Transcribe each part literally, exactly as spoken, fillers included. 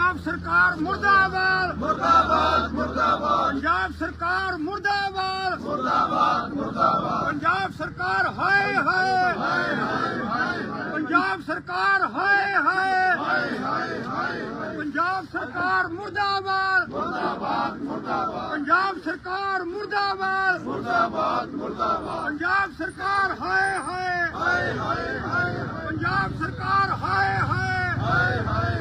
पंजाब सरकार मुर्दाबाद मुर्दाबाद मुर्दाबाद पंजाब सरकार मुर्दाबाद मुर्दाबाद मुर्दाबाद पंजाब सरकार हाय हाय पंजाब सरकार हाय हाय पंजाब सरकार मुर्दाबाद मुर्दाबाद मुर्दाबाद पंजाब सरकार मुर्दाबाद मुर्दाबाद मुर्दाबाद पंजाब सरकार हाय हाय हाय हाय हाय पंजाब सरकार हाय हाय हाय हाय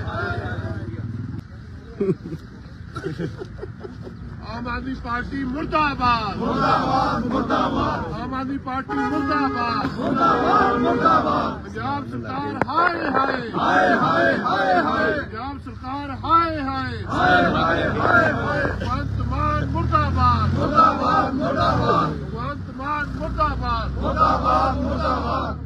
आम आदमी पार्टी मुर्दाबाद मुर्दाबाद मुर्दाबाद आम आदमी पार्टी मुर्दाबाद मुर्दाबाद मुर्दाबाद पंजाब सरकार हाय हाय हाय हाय हाय हाय पंजाब सरकार हाय हाय हाय हाय हाय हाय भगवंत मान मुर्दाबाद मुर्दाबाद मुर्दाबाद भगवंत मान मुर्दाबाद मुर्दाबाद मुर्दाबाद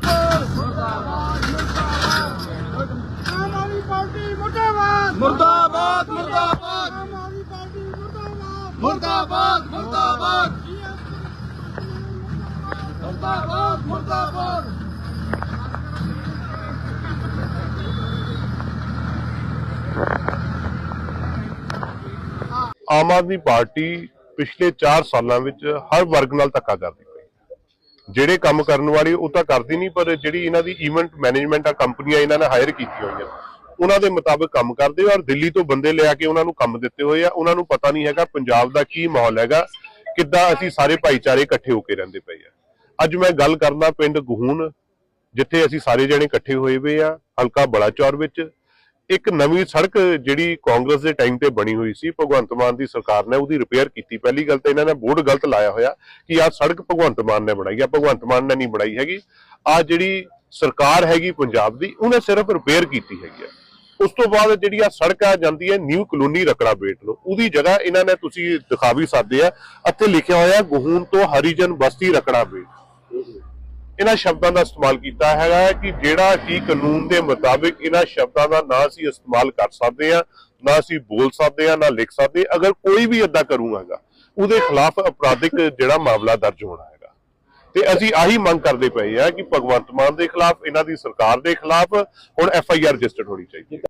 आम आदमी पार्टी मुर्दाबाद मुर्दाबाद मुर्दाबाद आम आदमी पार्टी मुर्दाबाद मुर्दाबाद मुर्दाबाद मुर्दाबाद मुर्दाबाद ਆਮ ਆਦਮੀ ਪਾਰਟੀ ਪਿਛਲੇ ਚਾਰ ਸਾਲਾਂ ਵਿੱਚ ਹਰ ਵਰਗ ਨਾਲ ਧੱਕਾ ਕਰਦੀ ਪਈ। ਜਿਹੜੇ ਕੰਮ ਕਰਨ ਵਾਲੇ ਉਹ ਤਾਂ ਕਰਦੀ ਨਹੀਂ, ਪਰ ਜਿਹੜੀ ਇਹਨਾਂ ਦੀ ਇਵੈਂਟ ਮੈਨੇਜਮੈਂਟ ਆ ਕੰਪਨੀਆਂ ਇਹਨਾਂ ਨੇ ਹਾਇਰ ਕੀਤੀਆਂ ਹੋਈਆਂ ਉਹਨਾਂ ਦੇ ਮੁਤਾਬਕ ਕੰਮ ਕਰਦੇ ਔਰ ਦਿੱਲੀ ਤੋਂ ਬੰਦੇ ਲਿਆ ਕੇ ਉਹਨਾਂ ਨੂੰ ਕੰਮ ਦਿੱਤੇ ਹੋਏ ਆ। ਉਹਨਾਂ ਨੂੰ ਪਤਾ ਨਹੀਂ ਹੈਗਾ ਪੰਜਾਬ ਦਾ ਕੀ ਮਾਹੌਲ ਹੈਗਾ, ਕਿੱਦਾਂ ਅਸੀਂ ਸਾਰੇ ਭਾਈਚਾਰੇ ਇਕੱਠੇ ਹੋ ਕੇ ਰਹਿੰਦੇ ਪਏ ਆ। ਅੱਜ ਮੈਂ ਗੱਲ ਕਰਦਾ ਪਿੰਡ ਗਹੂਣ, ਜਿੱਥੇ ਅਸੀਂ ਸਾਰੇ ਜਣੇ ਇਕੱਠੇ ਹੋਏ ਹੋਏ ਆ, ਹਲਕਾ ਬਲਾਚੌਰ ਵਿੱਚ। ਇੱਕ ਨਵੀਂ ਸੜਕ ਜਿਹੜੀ ਕਾਂਗਰਸ ਦੇ ਟਾਈਮ ਤੇ ਬਣੀ ਹੋਈ ਸੀ, ਭਗਵੰਤ ਮਾਨ ਦੀ ਸਰਕਾਰ ਨੇ ਉਹਦੀ ਰਿਪੇਅਰ ਕੀਤੀ। ਪਹਿਲੀ ਗੱਲ ਤਾਂ ਇਹਨਾਂ ਨੇ ਬੋਰਡ ਗਲਤ ਲਾਇਆ ਹੋਇਆ ਕਿ ਆਹ ਸੜਕ ਭਗਵੰਤ ਮਾਨ ਨੇ ਬਣਾਈ ਆ, ਭਗਵੰਤ ਮਾਨ ਨੇ ਨਹੀਂ ਬਣਾਈ ਹੈਗੀ। ਆਹ ਜਿਹੜੀ ਸਰਕਾਰ ਹੈਗੀ ਪੰਜਾਬ ਦੀ, ਉਹਨੇ ਸਿਰਫ ਰਿਪੇਅਰ ਕੀਤੀ ਹੈਗੀ ਆ। ਉਸ ਤੋਂ ਬਾਅਦ ਜਿਹੜੀ ਆ ਸੜਕ ਆ ਜਾਂਦੀ ਹੈ ਨਿਊ ਕਲੋਨੀ ਰਕੜਾ ਬੇਟ ਨੂੰ, ਉਹਦੀ ਜਗ੍ਹਾ ਇਹਨਾਂ ਨੇ ਤੁਸੀਂ ਦਿਖਾ ਵੀ ਸਕਦੇ ਆ, ਇੱਥੇ ਲਿਖਿਆ ਹੋਇਆ ਗਹੂਣ ਤੋਂ ਹਰੀਜਨ ਬਸਤੀ ਰਕੜਾ ਬੇਟ। ਇਹਨਾਂ ਸ਼ਬਦਾਂ ਦਾ ਇਸਤੇਮਾਲ ਕੀਤਾ ਹੈਗਾ ਕਿ ਜਿਹੜਾ ਕਿ ਕਾਨੂੰਨ ਦੇ ਮੁਤਾਬਿਕ ਇਹਨਾਂ ਸ਼ਬਦਾਂ ਦਾ ਨਾ ਅਸੀਂ ਇਸਤੇਮਾਲ ਕਰ ਸਕਦੇ ਆ, ਨਾ ਅਸੀਂ ਬੋਲ ਸਕਦੇ ਆ, ਨਾ ਲਿਖ ਸਕਦੇ। ਅਗਰ ਕੋਈ ਵੀ ਏਦਾਂ ਕਰੂਗਾ ਉਹਦੇ ਖਿਲਾਫ ਅਪਰਾਧਿਕ ਜਿਹੜਾ ਮਾਮਲਾ ਦਰਜ ਹੋਣਾ ਹੈਗਾ। ਤੇ ਅਸੀਂ ਆਹੀ ਮੰਗ ਕਰਦੇ ਪਏ ਆ ਕਿ ਭਗਵੰਤ ਮਾਨ ਦੇ ਖਿਲਾਫ, ਇਹਨਾਂ ਦੀ ਸਰਕਾਰ ਦੇ ਖਿਲਾਫ ਹੁਣ ਐਫ ਆਈ ਆਰ ਰਜਿਸਟਰਡ ਹੋਣੀ ਚਾਹੀਦੀ ਹੈ।